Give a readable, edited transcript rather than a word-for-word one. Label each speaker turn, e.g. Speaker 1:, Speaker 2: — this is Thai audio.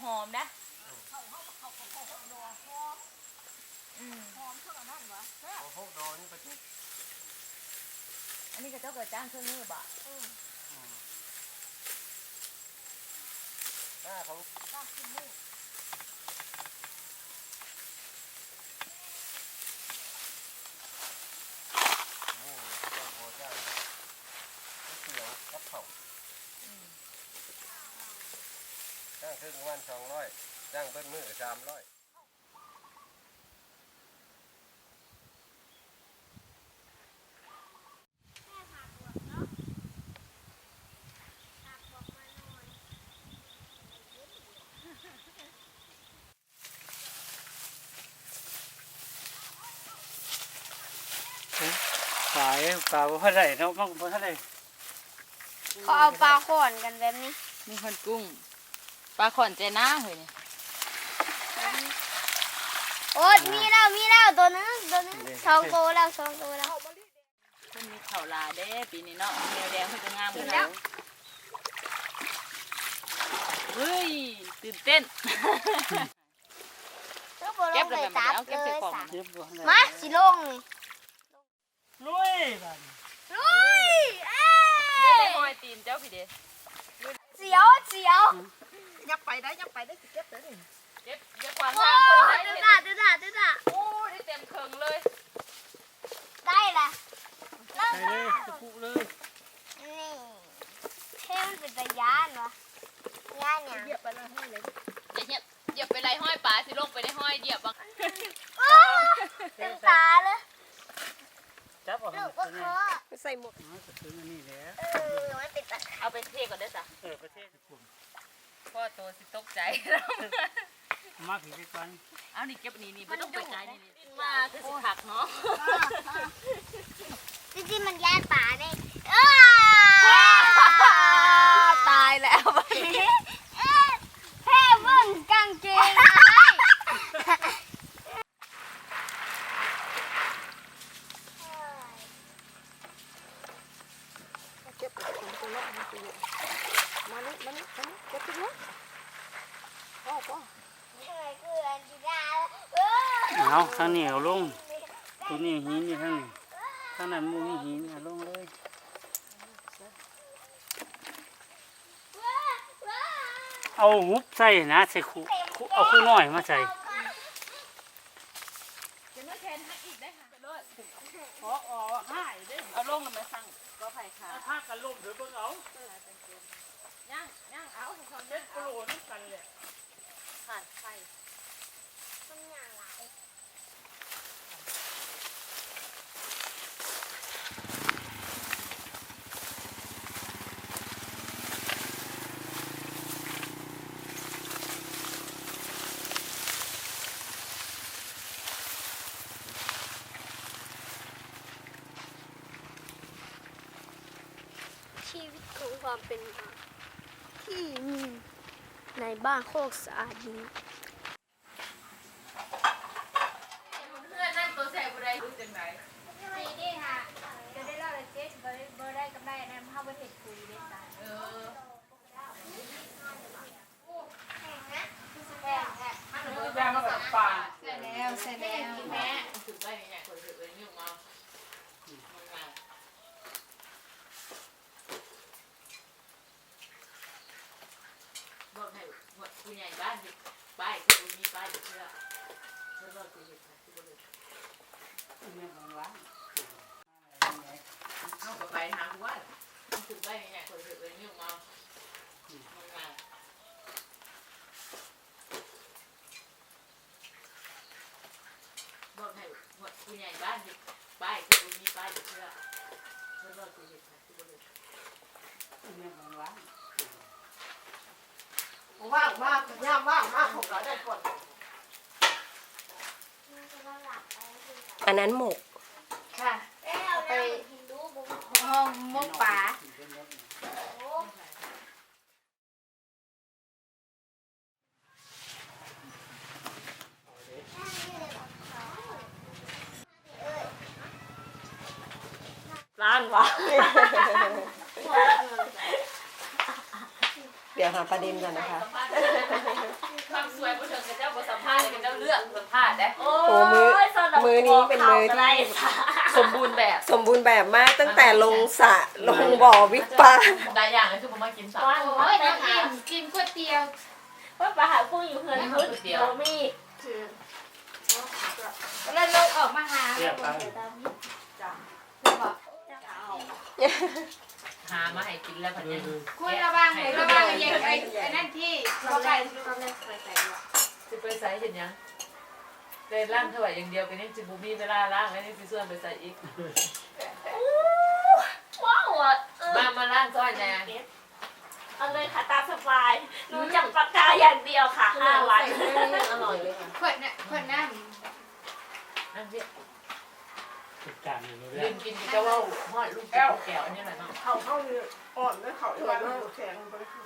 Speaker 1: หอมนะ
Speaker 2: เขาดอหอมหอมเท่านั้นวะเขาดอนี่ประจุ
Speaker 1: อันนี้ก็เจ้าเกิดจ้างเครื่องมือบ่
Speaker 2: หน้าเขาจ้างเครื่องมือจ้างครึ่งวัน200จ้างเบิ้ลมือ300
Speaker 3: ขายปลาบ่ได้เนาะมันบ่ได้
Speaker 4: เขาเอาปลาขอนกันแบบนี้
Speaker 1: มีคนกุ้งปลาขอนเจน่าเฮ้ยนี่
Speaker 4: โอ๊ยมีแล้วตัวนึง2 ตัวแล้ว
Speaker 1: คนมีข่าวลาเด้ปีนี้เนาะแนวแดงเพิ่นจะงามกัน
Speaker 4: แล้ว
Speaker 1: เฮ้ยตื่นเต้นเก็บเลยแบบเอาเก็บใส่ของ
Speaker 4: มาสิลงนี่
Speaker 3: ลุยบัด
Speaker 1: ได้หอยตีนเจ้าพี่เด้
Speaker 4: เสียว
Speaker 2: ยับไปได้สิเก็บเลย
Speaker 1: เก็บอย่าขวางทางคนได้
Speaker 4: ดื้อ
Speaker 1: โอ้ได้เต็มเคิงเลย
Speaker 4: ได้ละ
Speaker 3: ไปเลยตะปุเลย
Speaker 4: นี่เท่มันเป็นตะยานวะยานเนี่ย
Speaker 2: เหยียบไปแล้วให้เลย
Speaker 1: เหยียบไปไรห้อยปลาสิลงไปได้ห้อยเหยียบบัง
Speaker 4: เต็มตาเลย
Speaker 3: จับเอา
Speaker 4: ลูกก็เคาะ
Speaker 2: ไปใส่หมวก
Speaker 3: ก็คือนี่แหละ
Speaker 4: มันเป็นตะ
Speaker 1: เอาไปเทก่อนเด้อจ้ะ
Speaker 3: ประเทศผม
Speaker 1: พ่อโตสิตกใจ
Speaker 3: มาถึงกัน
Speaker 1: เอานี่เก็บนี่ไม่ต้องไปไกลนี่มาคือสิผักเนาะ
Speaker 4: จริงๆมันยานป่าเนี่ย
Speaker 1: ตายแล้ว
Speaker 4: แค่เบิ่งกางเกง
Speaker 2: เก็บไปตรงนั้นมานี่เก็บไปเลยพ่อ
Speaker 3: เอาทางนี้เอาลงตัวนี้หินนี่ทางนี้ทางนั้นมูมีหินเอาลงเลยเอาหุบใส่นะใส่คู่เอาคู่น้อยมาใส่
Speaker 1: จะไม่แทนให้อีกได้ค่ะเลยให้ได้เอาลงแล้วมาสั่งก็ไผ่ขา
Speaker 3: ถ้ากันลมเดี๋ยวเบิ่งเอา
Speaker 1: ย่างเอาความ
Speaker 3: เด็ดโกรธนี่กันเลย
Speaker 1: ขาดไฟ
Speaker 4: ชีวิตของความเป็นมาที่มีในบ้านโคกสะอาดนี้
Speaker 1: เพื่อนนั่นตัวแสบอะไรรู้จังไหน
Speaker 4: นี่ค่ะจะได้เล่าเลยเจ๊เบอร์ได้กำไรนะภาพว่าเห็ดคุยเล่นกัน
Speaker 1: แม่มาแบบป่าใส่แล้วแม่ถึงได้เนี่ยคนถึงเลยยุ่งเอาบอกให้คุณใหญ่บ้านป้ายคือมีป้ายเชื่อแล้วก็คือเห็นค่ะที่บริเวณเอาไปทางว่าถึงได้เนี่ยคนถึงเลยยุ่งเอาบอกให้คุณใหญ่บ้านป้ายคือมีป้ายเชื่อแล้วก็คือเห็นค่ะที่บริเวณ
Speaker 2: ว่างมากย่ามว่างมากของเราได้ก่อนอันนั้นหมก
Speaker 4: ค่ะไปห้องมกป่า
Speaker 1: ร้านวะ
Speaker 2: เดี๋ยวหาประเด็นก่อนนะคะ
Speaker 1: ความสวยผู้ชมกับเจ้าบทสัมภาษณ์กับเจ้าเลือกสัมภาษณ์ได้
Speaker 2: โอ้มือนี้เป็นมือที่
Speaker 1: สมบูรณ์แบบ
Speaker 2: สมบูรณ์แบบมากตั้งแต่ลงสระลงบ่อวิปปลา
Speaker 1: ได้อย่างเลยคือผมมากินสับ
Speaker 4: โอ้ยน้ำกินก๋วยเตี๋ยว
Speaker 5: ว่าปลาหากุ้งอยู่เฮือนพุทธโมมี่
Speaker 4: แล้วลงออกมาหา
Speaker 3: เรียบไป
Speaker 1: หามาให้กินแล้วพันยัง
Speaker 4: คุณระวังเลยระวังอย่างไอ้นั่นที่เราไป
Speaker 1: จะไปใส่เห็นยังเลยล่างเท่าไหร่อย่างเดียวกันนี่จิบูมี่เวลาล่างแล้วนี่พี่ส่วนไปใส่อีก
Speaker 5: ว้าวอ่ะ
Speaker 1: มาล่างซอยแน่
Speaker 5: เอาเลยค่ะตามสบายรู้จักปากกาอย่างเดียวค่ะ5 วัน
Speaker 1: อร่อยเลยค่ะ
Speaker 4: ขวดน่ะขวดน้
Speaker 1: นั่งเพี่
Speaker 3: ติดการอยู่
Speaker 1: ลื
Speaker 3: เรื่อย
Speaker 1: มกินก็ว่าหอดลูกแก้วอันนี้แหละเนาะ
Speaker 6: เขาอยู่อ่อนแล้วเขาอยู่บ้านแข็งไป